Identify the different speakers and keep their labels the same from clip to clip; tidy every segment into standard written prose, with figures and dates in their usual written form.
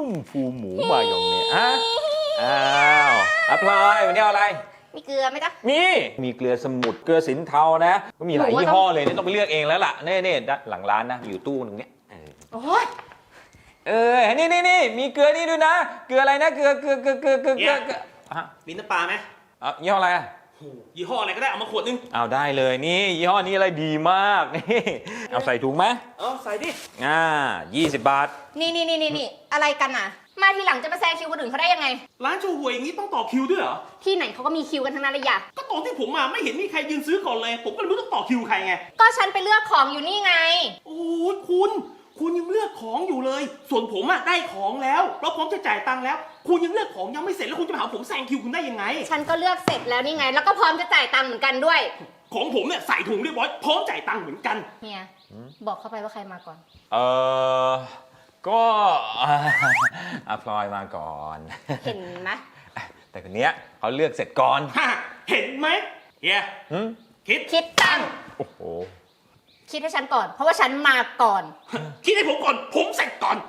Speaker 1: มฟูหมูมายองเนสอ้าวพลอยวันนี้เอาอะไร
Speaker 2: มีเกลือไหมจ๊ะ
Speaker 1: มีเกลือสมุทรเกลือสินเทานะก็มีหลายยี่ห้อเลยนี่ต้องไปเลือกเองแล้วล่ะนี่หลังร้านนะอยู่ตู้นึงเนี่ย
Speaker 2: โอ้ย
Speaker 1: นี่มีเกลือนี่ด้วยนะเกลืออะไรนะเกลือ
Speaker 3: มีน้ำปลาไหม
Speaker 1: ยี่ห้ออะไร
Speaker 3: ยี่ห้ออะไรก็ได้เอามาขวดนึง
Speaker 1: เอาได้เลยนี่ยี่ห้อนี้อะไรดีมากนี่เอาใส่ถุงไหม
Speaker 3: ใส่ดิ
Speaker 1: 20 บาท
Speaker 2: นี่อะไรกันอ่ะมาทีหลังจะมาแซงคิวคนอื่นเขาได้ยังไง
Speaker 3: ร้านโชห่วยอย่างนี้ต้องต่อคิวด้วยเหรอ
Speaker 2: ที่ไหนเขาก็มีคิวกันทั้งนั้นเลยอย่า
Speaker 3: ก็ตอนที่ผมมาไม่เห็นมีใครยืนซื้อก่อนเลยผมก็ไม่รู้ต้องต่อคิวใครไง
Speaker 2: ก็ฉันไปเลือกของอยู่นี่ไง
Speaker 3: โอ้ยคุณยังเลือกของอยู่เลยส่วนผมได้ของแล้วเราพร้อมจะจ่ายตังค์แล้วคุณยังเลือกของยังไม่เสร็จแล้วคุณจะมาหาผมแซงคิวคุณได้ยังไง
Speaker 2: ฉันก็เลือกเสร็จแล้วนี่ไงแล้วก็พร้อมจะจ่ายตังค์เหมือนกันด้วย
Speaker 3: ของผมเนี่ยใส่ถุงเรียบร้อยพร้อมจ่ายตังค์เหมือนกัน
Speaker 2: เฮียบอกเข้าไปว่าใครมาก่อน
Speaker 1: ก็พลอยมาก่อน
Speaker 2: เห็นไหม
Speaker 1: แต่คนเนี้ยเขาเลือกเสร็จก่อน
Speaker 3: เห็นไหมเฮีย
Speaker 2: คิดตังค์
Speaker 1: โอ้โห
Speaker 2: คิดให้ฉันก่อนเพราะว่าฉันมาก่อน
Speaker 3: คิดให้ผมก่อนผมเสร็จก่อน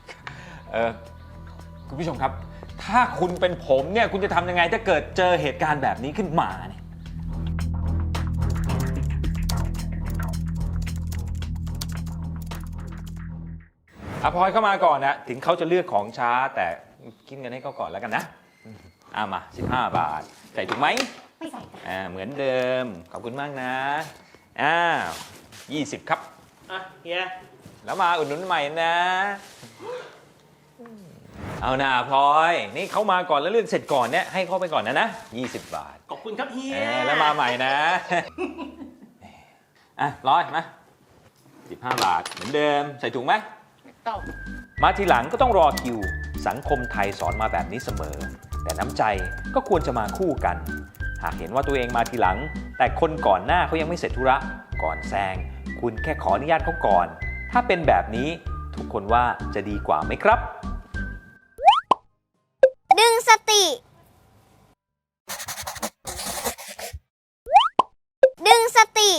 Speaker 1: คุณผู้ชมครับถ้าคุณเป็นผมเนี่ยคุณจะทำยังไงถ้าเกิดเจอเหตุการณ์แบบนี้ขึ้นมาเนี่ยพลอยเข้ามาก่อนนะถึงเขาจะเลือกของช้าแต่คิดเงินให้เขาก่อนแล้วกันนะมา15 บาทใส่ถูกไหม
Speaker 2: ไม่ใส่
Speaker 1: เหมือนเดิมขอบคุณมากนะ20ครับ
Speaker 3: เฮีย
Speaker 1: แล้วมาอุดหนุนใหม่นะเอานะพลอยนี่เขามาก่อนแล้วเลือกเสร็จก่อนเนี่ยให้เขาไปก่อนนะ20 บาท
Speaker 3: ขอบคุณครับเฮีย
Speaker 1: แล้วมาใหม่นะร้อยมา15 บาทเหมือนเดิมใส่ถุงไหมมาทีหลังก็ต้องรอคิวสังคมไทยสอนมาแบบนี้เสมอแต่น้ำใจก็ควรจะมาคู่กันหากเห็นว่าตัวเองมาทีหลังแต่คนก่อนหน้าเขายังไม่เสร็จธุระก่อนแซงคุณแค่ขออนุญาตเขาก่อนถ้าเป็นแบบนี้ทุกคนว่าจะดีกว่าไหมครับ
Speaker 2: ดึงสติดึงสติ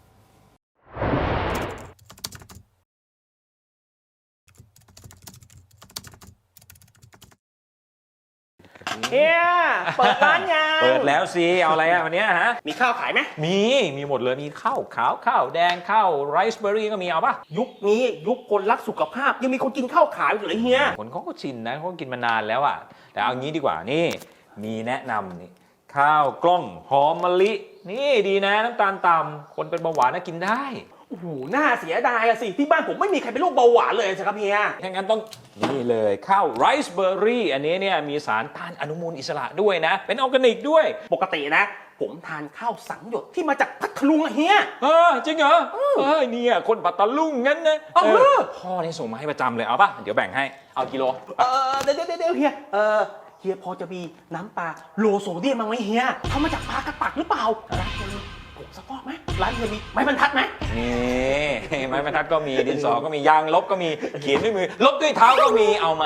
Speaker 3: เฮียเปิดร้านยัง
Speaker 1: เปิดแล้วสิเอาอะไรวันนี้
Speaker 3: มีข้าวขายไหม
Speaker 1: มีหมดเลยมีข้าวขาวข้าวแดงข้าวไรซ์เบอร์รี่ก็มีเอาป่ะ
Speaker 3: ยุคนี้ยุคคนรักสุขภาพยังมีคนกินข้าวขาวอยู่เลยเฮีย
Speaker 1: คนเขาก็ชินนะเขากินมานานแล้วแต่เอางี้ดีกว่านี่มีแนะนำนี่ข้าวกล้องหอมมะลินี่ดีนะน้ำตาลต่ำคนเป็นเบาหวานน่ากินได้
Speaker 3: โอ้โหน่าเสียดายสิที่บ้านผมไม่มีใครเป็นโรคเบาหวานเลยสิครับเฮีย
Speaker 1: งั้นต้องนี่เลยข้าวไรซ์เบอร์รี่อันนี้เนี่ยมีสารต้านอนุมูลอิสระด้วยนะเป็นออร์แกนิกด้วย
Speaker 3: ปกตินะผมทานข้าวสังหยดที่มาจากพัทลุงเฮีย
Speaker 1: จริงเหรอเนี่ยคนปัตตาลุงงั้นนะพ่อนี่ส่งมาให้ประจำเลยเอาป่ะเดี๋ยวแบ่งให้เอากิโล
Speaker 3: เดี๋ยวเฮียเฮียพอจะมีน้ำปลาโลโซเดียมมั้งไหมเฮียทำมาจากปลากระตักหรือเปล่าร้านเฮียมีผงซักฟอกไหมร้านเฮียมีไม้บรรทัดไหม
Speaker 1: นี่ไม้บรรทัดก็มีดินสอก็มียางลบก็มีเขียนด้วยมือลบด้วยเท้าก็มีเอาไหม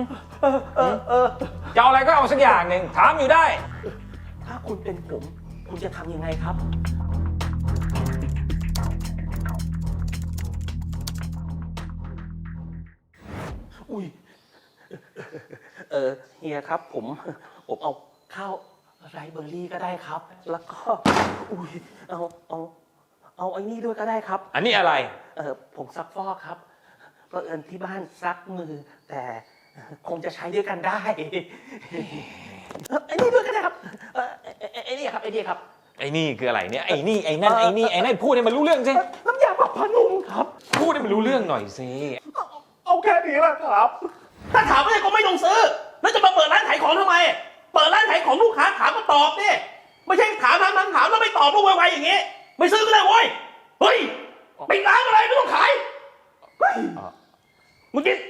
Speaker 1: จะเอาอะไรก็เอาสักอย่างหนึ่งถามอยู่ได้
Speaker 3: ถ้าคุณเป็นผมคุณจะทำยังไงครับอุ้ยเฮียครับผมเอาข้าวไรซ์เบอร์รี่ก็ได้ครับแล้วก็เอาไอ้นี่ด้วยก็ได้ครับ
Speaker 1: อันนี้อะไร
Speaker 3: ผงซักฟอกครับเพราะที่บ้านซักมือแต่คงจะใช้ด้วยกันได้ไอ้นี่ด้วยก็ได้ครับไอ้นี่ครับไอ้นี่ครับ
Speaker 1: ไอ้นี่คืออะไรเนี่ยไอ้นี่ไอ้นั่นไอ้นี่ไอ้นั่นพูดให้มันรู้เรื่องสิ
Speaker 3: น้ำยาปรับผ้านุ่มครับ
Speaker 1: พูดให้มันรู้เรื่องหน่อยสิ
Speaker 3: เอาแค่นี้แหละครับถ้าถามอะไรก็ไม่ต้องซื้อแล้วจะมาเปิดร้านขายของทำไมเปิดร้านขายของลูกค้าถามก็ตอบดิไม่ใช่ถามแล้วไม่ตอบลูกไวๆอย่างงี้ไม่ซื้อก็ได้เว้ยเฮ้ยปิดร้านอะไรไม่ต้องขายมึงกิน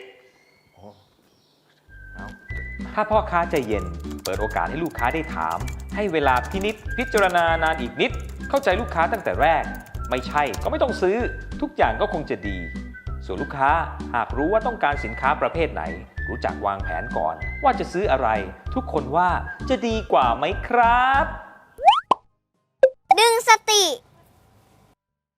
Speaker 1: ถ้าพ่อค้าใจเย็นเปิดโอกาสให้ลูกค้าได้ถามให้เวลาพิจารณานานอีกนิดเข้าใจลูกค้าตั้งแต่แรกไม่ใช่ก็ไม่ต้องซื้อทุกอย่างก็คงจะดีส่วนลูกค้าหากรู้ว่าต้องการสินค้าประเภทไหนรู้จักวางแผนก่อนว่าจะซื้ออะไรทุกคนว่าจะดีกว่าไหมครับ
Speaker 2: ดึงสติ